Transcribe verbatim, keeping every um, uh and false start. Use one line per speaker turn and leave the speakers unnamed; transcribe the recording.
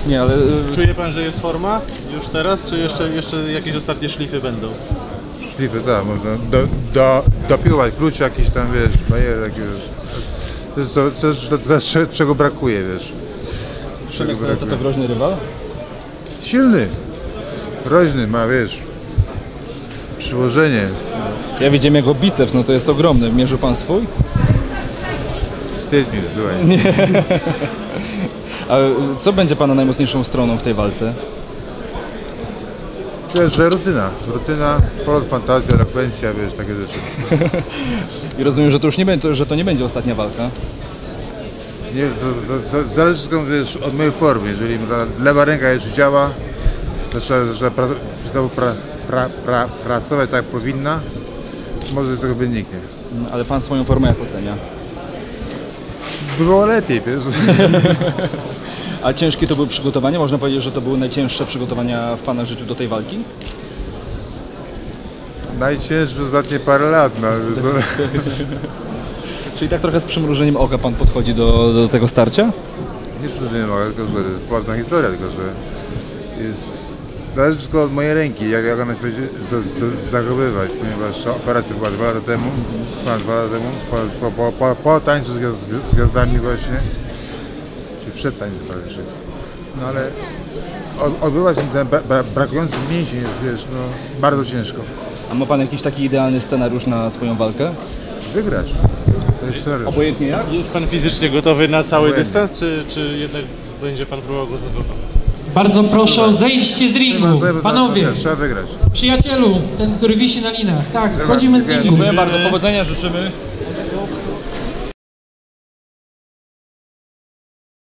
Nie, ale...
Czuje pan, że jest forma już teraz, czy jeszcze, jeszcze jakieś ostatnie szlify będą?
Szlify, tak, można do, do, dopiłować klucz jakiś tam, wiesz, bajer jakiegoś. To jest to, coś, to, to, to, czego brakuje, wiesz.
Przemek, to to groźny rywal?
Silny, groźny, ma, wiesz, przyłożenie.
Ja widziałem jego biceps, no to jest ogromny. Mierzył pan swój?
Wstyd mi, słuchaj.
Nie. A co będzie pana najmocniejszą stroną w tej walce?
Wiesz, że rutyna, rutyna, polot, fantazja, elokwencja, wiesz, takie rzeczy.
I rozumiem, że to już nie będzie, że to nie będzie ostatnia walka.
Nie, to, to, to zależy wszystko, wiesz, od mojej formy. Jeżeli lewa ręka jeszcze działa, to trzeba, trzeba pra, znowu pra, pra, pra, pracować tak jak powinna, może z tego wyniknie.
Ale pan swoją formę jak ocenia?
Bywało lepiej, wiesz.
A ciężkie to były przygotowania? Można powiedzieć, że to były najcięższe przygotowania w pana życiu do tej walki?
Najcięższe ostatnie parę lat, no.
Czyli tak trochę z przymrużeniem oka pan podchodzi do, do tego starcia?
Nie przymrużeniem oka, tylko to jest poważna historia, tylko że jest... Zależy tylko od mojej ręki, jak, jak ona się będzie zachowywać, ponieważ operacja była dwa lata temu, dwa lata temu, po, po, po, po tańcu z, gwiazd, z gwiazdami właśnie, czy przed tańcem prawie. No ale odbywać ten bra, brakujący mięsień jest, wiesz, no, bardzo ciężko.
A ma pan jakiś taki idealny scenariusz na swoją walkę?
Wygrać. To jest serio.
Obojętnie jak?
Jest pan fizycznie gotowy na cały
Obojętnie.
dystans, czy, czy jednak będzie pan próbował go znokować?
Bardzo proszę o zejście z ringu. Panowie,
Trzeba wygrać.
przyjacielu, ten, który wisi na linach. Tak, schodzimy z ringu.
Dziękuję bardzo, powodzenia życzymy.